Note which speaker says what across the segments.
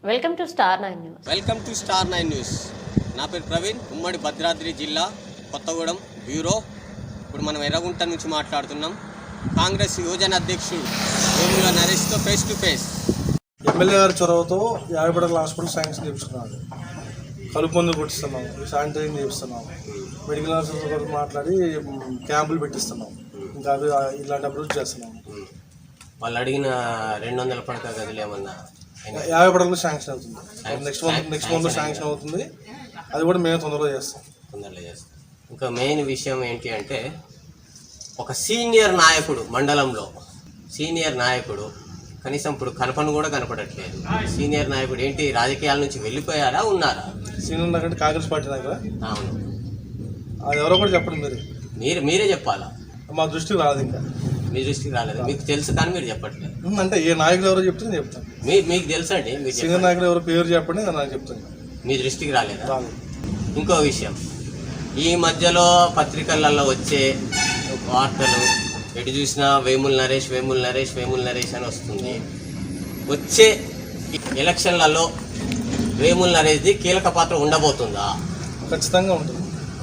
Speaker 1: Welcome to star 9 news.
Speaker 2: Welcome to star 9 news. నా పేరు ప్రవీణ్, ఉమ్మడి భద్రాద్రి జిల్లా కొత్తగూడెం బ్యూరో. ఇప్పుడు మనం ఎర్రగుంట నుంచి మాట్లాడుతున్నాం. కాంగ్రెస్ యువజన అధ్యక్షుడు వేముల నరేష్తో ఫేస్ టు ఫేస్.
Speaker 3: ఎమ్మెల్యే గారి చొరవతో 50 పడకల హాస్పిటల్ శాంక్షన్ చేపిస్తున్నాడు. కలుపు మందులు కొట్టిస్తున్నాం, శానిటైజింగ్ చేపిస్తున్నాం, మెడికల్ ఆఫీసర్తో మాట్లాడి క్యాంపులు పెట్టిస్తున్నాం. ఇంకా అవి ఇలాంటి అభివృద్ధి చేస్తున్నాం.
Speaker 2: వాళ్ళు అడిగిన 200 పడక గదులు ఏమన్నా
Speaker 3: 50 పడకలు శాంక్షన్ అవుతుంది. నెక్స్ట్ మంత్ శాంక్షన్ అవుతుంది. అది కూడా మేము తొందరగా చేస్తాం.
Speaker 2: ఇంకా మెయిన్ విషయం ఏంటి అంటే, ఒక సీనియర్ నాయకుడు మండలంలో సీనియర్ నాయకుడు కనీసం ఇప్పుడు కనపను కూడా కనపడట్లేదు. సీనియర్ నాయకుడు ఏంటి, రాజకీయాల నుంచి వెళ్ళిపోయారా, ఉన్నారా?
Speaker 3: సీనియర్ నాయకుడు కాంగ్రెస్ పార్టీ నాయకుడా?
Speaker 2: అవును.
Speaker 3: అది ఎవరో కూడా చెప్పండి.
Speaker 2: మీరే చెప్పాలా?
Speaker 3: మా దృష్టికి రాదు. ఇంకా
Speaker 2: మీ దృష్టికి రాలేదు. మీకు తెలుసు కానీ మీరు చెప్పట్లేదు.
Speaker 3: అంటే ఏ నాయకులు ఎవరో చెప్తే నేను చెప్తాను.
Speaker 2: మీకు తెలుసు అండి.
Speaker 3: సీనియర్ నాయకులు ఎవరో పేరు చెప్పండి, నేను చెప్తాను.
Speaker 2: మీ దృష్టికి రాలేదు. ఇంకో విషయం, ఈ మధ్యలో పత్రికలలో వచ్చే వార్తలు ఎటు చూసినా వేముల నరేష్ అని వస్తుంది. వచ్చే ఎలక్షన్లలో వేముల నరేష్ది కీలక పాత్ర ఉండబోతుందా?
Speaker 3: ఖచ్చితంగా ఉంటుంది.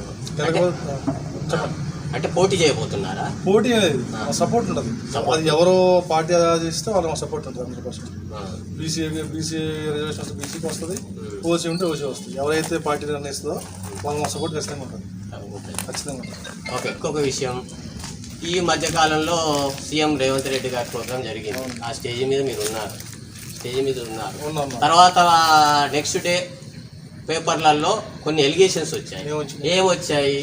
Speaker 2: అంటే పోటీ చేయబోతున్నారా?
Speaker 3: పోటీ అనేది సపోర్ట్ ఉంటుంది. అది ఎవరో పార్టీ చేస్తే వాళ్ళకి సపోర్ట్ ఉంటుంది. 100%. బీసీ రిజర్వేషన్ బీసీకి వస్తుంది, ఓసీ ఉంటే ఓసీ వస్తుంది. ఎవరైతే పార్టీ నిర్ణయిస్తుందో వాళ్ళకి మా సపోర్ట్ ఖచ్చితంగా ఉంటుంది. ఖచ్చితంగా ఉంటుంది.
Speaker 2: ఓకే. ఇంకొక విషయం, ఈ మధ్యకాలంలో సీఎం రేవంత్ రెడ్డి గారి ప్రోగ్రాం జరిగింది. ఆ స్టేజ్ మీద మీరు ఉన్నారు. తర్వాత నెక్స్ట్ డే పేపర్లలో కొన్ని ఎలిగేషన్స్ వచ్చాయి. ఏమొచ్చాయి?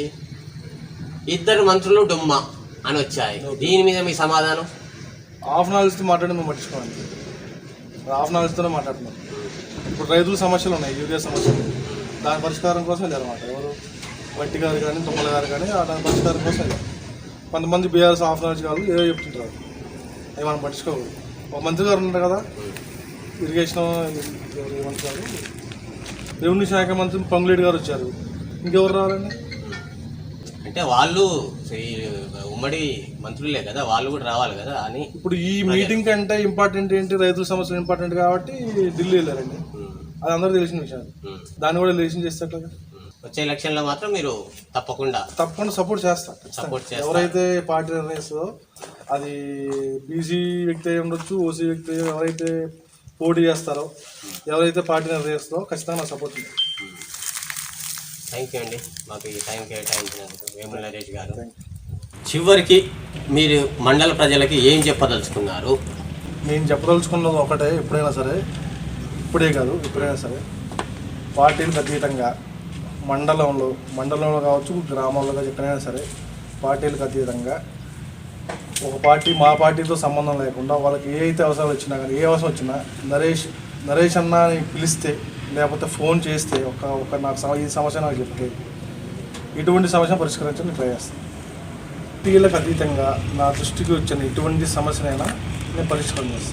Speaker 2: 2 మంత్రులు డుమ్మా అని వచ్చాయి. దీని మీద మీ సమాధానం?
Speaker 3: హాఫ్ నాలెడ్జ్తో మాట్లాడి మేము పట్టించుకోవాలి. హాఫ్ నాలెడ్జ్తోనే మాట్లాడుతున్నాం. ఇప్పుడు రైతుల సమస్యలు ఉన్నాయి, యూరియా సమస్యలు. దాని పరిష్కారం కోసం వెళ్ళారన్నమాట. ఎవరు వట్టి గారు కానీ తుమ్మల గారు కానీ దాని పరిష్కారం కోసం వెళ్ళారు. కొంతమంది బీఆర్ఎస్ హాఫ్ నాలెడ్జ్ కాదు ఏదో చెప్తుంటారు. అవి మనం పట్టించుకోకూడదు. ఒక మంత్రి గారు ఉంటారు కదా, ఇరిగేషన్ మంత్రి గారు, రెవెన్యూ శాఖ మంత్రి పొంగులేటి గారు వచ్చారు. ఇంకెవరు రావాలండి?
Speaker 2: అంటే వాళ్ళు ఉమ్మడి మంత్రులే కదా, వాళ్ళు కూడా రావాలి కదా అని.
Speaker 3: ఇప్పుడు ఈ మీటింగ్ కంటే ఇంపార్టెంట్ ఏంటి, రైతుల సమస్యలు ఇంపార్టెంట్ కాబట్టి ఢిల్లీ వెళ్ళారండి. అది అందరూ తెలిసిన విషయాలు. దాన్ని కూడా రిలేషన్ చేస్తే
Speaker 2: వచ్చే ఎలక్షన్లో మాత్రం మీరు తప్పకుండా
Speaker 3: సపోర్ట్ చేస్తారు. ఎవరైతే పార్టీ నిర్ణయిస్తుందో, అది బీసీ వ్యక్తి అయి ఉండొచ్చు, ఓసీ వ్యక్తి, ఎవరైతే పోటీ చేస్తారో, ఎవరైతే పార్టీ నిర్ణయిస్తుందో ఖచ్చితంగా సపోర్ట్ చేస్తారు.
Speaker 2: థ్యాంక్ యూ అండి, మాకు ఈ టైం కేటాయించినందుకు వేముల నరేష్ గారు. చివరికి మీరు మండల ప్రజలకి ఏం చెప్పదలుచుకున్నారు?
Speaker 3: నేను చెప్పదలుచుకున్నది ఒకటే, ఎప్పుడైనా సరే, ఇప్పుడే కాదు ఎప్పుడైనా సరే, పార్టీలకు అతీతంగా మండలంలో కావచ్చు, గ్రామాల్లో కావచ్చు, ఎక్కడైనా సరే పార్టీలకు అతీతంగా ఒక పార్టీ మా పార్టీతో సంబంధం లేకుండా వాళ్ళకి ఏ అయితే అవసరాలు వచ్చినా కానీ, ఏ అవసరం వచ్చినా నరేష్ అన్న అని పిలిస్తే, లేకపోతే ఫోన్ చేస్తే, ఒక నాకు ఈ సమస్య నాకు చెప్తే ఇటువంటి సమస్య పరిష్కరించడానికి ట్రై చేస్తాను. పార్టీలకు అతీతంగా నా దృష్టికి వచ్చిన ఎటువంటి సమస్యనైనా నేను పరిష్కారం చేస్తాను.